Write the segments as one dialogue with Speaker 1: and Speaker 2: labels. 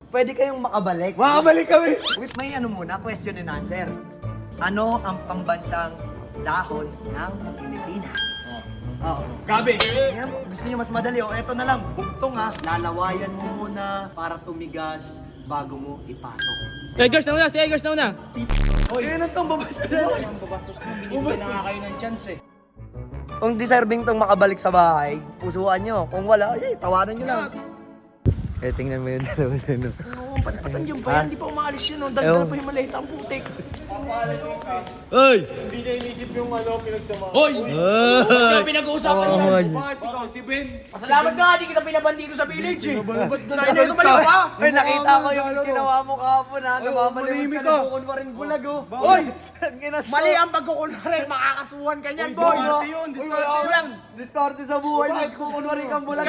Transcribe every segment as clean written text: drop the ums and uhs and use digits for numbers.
Speaker 1: pwede kayong makabalik.
Speaker 2: Makabalik kami!
Speaker 1: Wait, may ano muna, question and answer. Ano ang pambansang dahon ng Pilipinas? Oo.
Speaker 2: Gabi!
Speaker 1: Yan, gusto niyo mas madali. O, eto na lang. Bugtong ha. Lalawayan mo muna para tumigas bago mo ipasok.
Speaker 3: Eggers na una, si Eggers na una.
Speaker 1: Oy, ano tong babasa na?
Speaker 4: Ang babastos nyo, binibigyan na nga kayo ng chance eh.
Speaker 1: Kung deserving tong makabalik sa bahay, pusuan nyo. Kung wala, ay, tawanan nyo lang. Eh, tingnan mo yun.
Speaker 4: Oo, patpatan yung bayan, di pa umaalis yun, oh. Daldal pa yung maliit ang putik.
Speaker 2: Ay! Hindi niya inisip yung pinagsama.
Speaker 4: Hoy! Kaya pinag-uusapan
Speaker 1: Oo,
Speaker 4: yan.
Speaker 1: man.
Speaker 2: Bakit ikaw, si Ben?
Speaker 4: Pasalamat ka nga, di kita pinabandito sa village eh. Ba't na ito baliw ka?
Speaker 1: Ay, nakita ko yung ginawa mo kahapon ha. Namamaliwas
Speaker 2: manimik
Speaker 1: ka
Speaker 2: ka.
Speaker 1: na bukunwaring bulag oh.
Speaker 4: Hoy!
Speaker 1: Ginastos.
Speaker 4: Mali ang pagkukunwari, makakasuhan ka niyan, boy.
Speaker 2: Diskarte yun, diskarte yun.
Speaker 1: Diskarte sa buhay. Nagkukunwari kang bulag.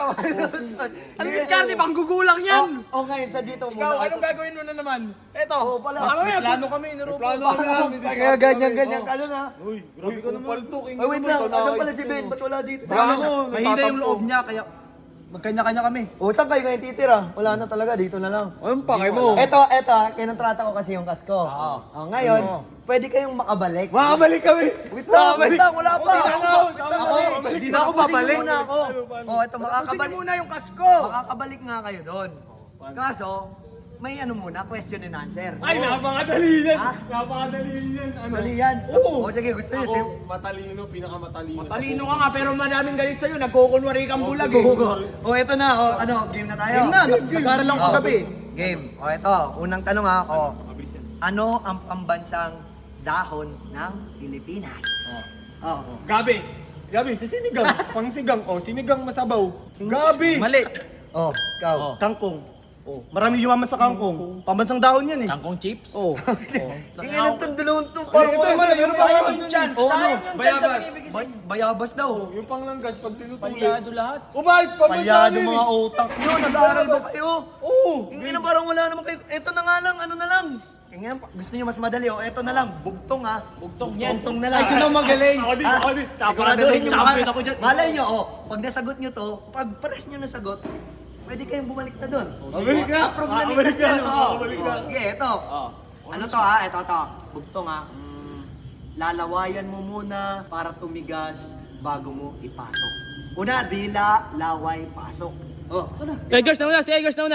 Speaker 4: Ano diskarte, panggugulang yan.
Speaker 1: Oh, ngayon, sa dito
Speaker 4: Ikaw,
Speaker 1: muna.
Speaker 4: anong gagawin mo na naman? Eto.
Speaker 1: Oo, pala.
Speaker 2: Plano kami, plano kami.
Speaker 1: Kaya ganyan ka na.
Speaker 2: Uy, grabe ka naman. Paltok,
Speaker 1: Ay, wait lang. Asan pala si Ben? Ba't wala dito?
Speaker 2: Mahina yung loob niya, kaya magkanya-kanya kami.
Speaker 1: O, saan kayo ngayon titira? Wala na talaga. Dito na lang.
Speaker 2: Anong pakay mo?
Speaker 1: Eto, kinontrata ko kasi yung kasko. Oh, ngayon, pwede kayong makabalik.
Speaker 2: Makabalik kami!
Speaker 1: Wait lang, wala pa.
Speaker 2: Hindi na ako babalik.
Speaker 1: Muna ako. Oh, eto,
Speaker 4: Sige
Speaker 1: makakabalik.
Speaker 4: muna yung kasko.
Speaker 1: Makakabalik nga kayo doon. Kaso, may ano muna, question and answer.
Speaker 2: Ay, napakadali yan!
Speaker 1: Ha?
Speaker 2: Napakadali yan! Ano?
Speaker 1: Dali yan.
Speaker 2: Oo.
Speaker 1: O, sige, gusto niyo.
Speaker 2: Ako, matalino, pinakamatalino.
Speaker 4: Talino ka nga, pero madaming galit sa'yo. Nagkukunwari kang bulag eh.
Speaker 1: O, eto na. O, ano, game na tayo.
Speaker 2: Game na, nag-aaral lang ako
Speaker 1: Oh,
Speaker 2: kagabi.
Speaker 1: Game. O, eto, unang tanong ha. O, ano ang pambansang dahon ng Pilipinas? Oh.
Speaker 2: Gabi! Gabi, sa sinigang. Pang sigang. Oh, sinigang masabaw. Gabi! Mali.
Speaker 1: Oh, ikaw.
Speaker 2: Kangkong. Oh, marami yumaman sa kangkong. Pambansang dahon yan eh.
Speaker 4: Kangkong chips?
Speaker 2: Oh.
Speaker 1: Tingnan itong dalawang to.
Speaker 2: Ito, mali. Meron pa
Speaker 4: Sayang
Speaker 2: kayo
Speaker 4: yung chance.
Speaker 2: Oh,
Speaker 4: Sayang
Speaker 2: ano?
Speaker 4: yung chance na binibigay sa'yo.
Speaker 1: Bayabas daw.
Speaker 2: Yung panglanggas, pag tinutuloy.
Speaker 4: Palyado lahat.
Speaker 2: O bakit?
Speaker 1: Palyado mga utak nyo. Nag-aaral ba kayo?
Speaker 2: Oo.
Speaker 1: Hindi na parang wala naman kayo. Ito na nga lang, ano na lang. Tingnan, gusto niyo mas madali. O, ito na lang. Bugtong ha.
Speaker 4: Bugtong yan.
Speaker 1: Bugtong na lang.
Speaker 2: Ay, ikaw na magaling.
Speaker 1: Ah,
Speaker 2: Siguraduhin
Speaker 1: siguraduhin
Speaker 2: yung
Speaker 1: nyo.
Speaker 2: ako dyan.
Speaker 1: Malay nyo, pag nasagot nyo to, pag pares nyo nasagot, pwede kayong bumalik na doon.
Speaker 2: Balik ka.
Speaker 1: Approve na ni
Speaker 2: Balik ka.
Speaker 1: Cristiano.
Speaker 2: Balik ka.
Speaker 1: Sige, ito. Ano to ha? Ito. Bugtong ha. Lalawayan mo muna para tumigas bago mo ipasok. Una, dila, laway, pasok. Oh, ano?
Speaker 3: Eggers na una, si Eggers na una.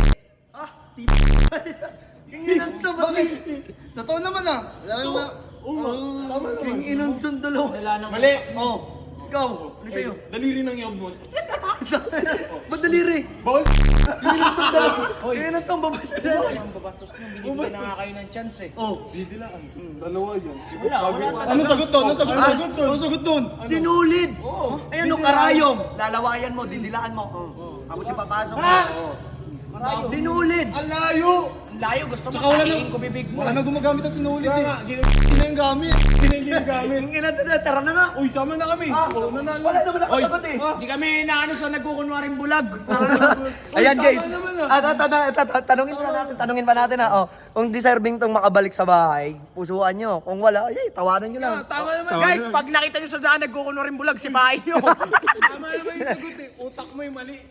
Speaker 1: Kinginan to, bakit?
Speaker 2: Totoo naman ah. Wala naman. Oo. Tama naman.
Speaker 1: Kinginan to, dalawa.
Speaker 4: Wala nang...
Speaker 2: Mali.
Speaker 1: Oh, ikaw, ano sa'yo?
Speaker 2: Daliri ng iyog mo.
Speaker 1: Ba't daliri?
Speaker 2: Bawal.
Speaker 1: Kinginan to, babasa na.
Speaker 4: Ang babastos nyo, binibigyan na nga kayo ng chance eh.
Speaker 1: Oh,
Speaker 2: Didilaan. Dalawa yan.
Speaker 4: Wala talaga.
Speaker 2: Ano sagot to? Ano sagot doon? Ano sagot doon?
Speaker 1: sinulid.
Speaker 4: Oo.
Speaker 1: Ayan o, karayom. Lalawayan mo, didilaan mo. Tapos ipapasok mo. Oh. Sinulid.
Speaker 2: Ang layo!
Speaker 4: Ang layo, gusto mo
Speaker 2: Tsaka wala
Speaker 4: tahiin
Speaker 2: na-
Speaker 4: ko bibig mo.
Speaker 2: Wala nang gumagamit ang sinulit eh. Hindi na yung gamit. Hindi na yung gamit.
Speaker 1: Kinginan to, tara na nga.
Speaker 2: Uy, sama na kami. Oo, nanalo.
Speaker 1: Wala naman ako sagot eh.
Speaker 4: Di kami naano sa nagkukunwaring bulag.
Speaker 1: Ayan guys.
Speaker 2: tama naman
Speaker 1: Tanungin pa natin ha. Oh, kung deserving tong makabalik sa bahay, pusuan nyo. Kung wala, ay, tawanan nyo lang.
Speaker 2: Tama naman.
Speaker 4: Guys, pag nakita nyo sa daan nagkukunwaring bulag, sipahin nyo.
Speaker 2: Tama naman yung sagot eh. Utak mo yung mali.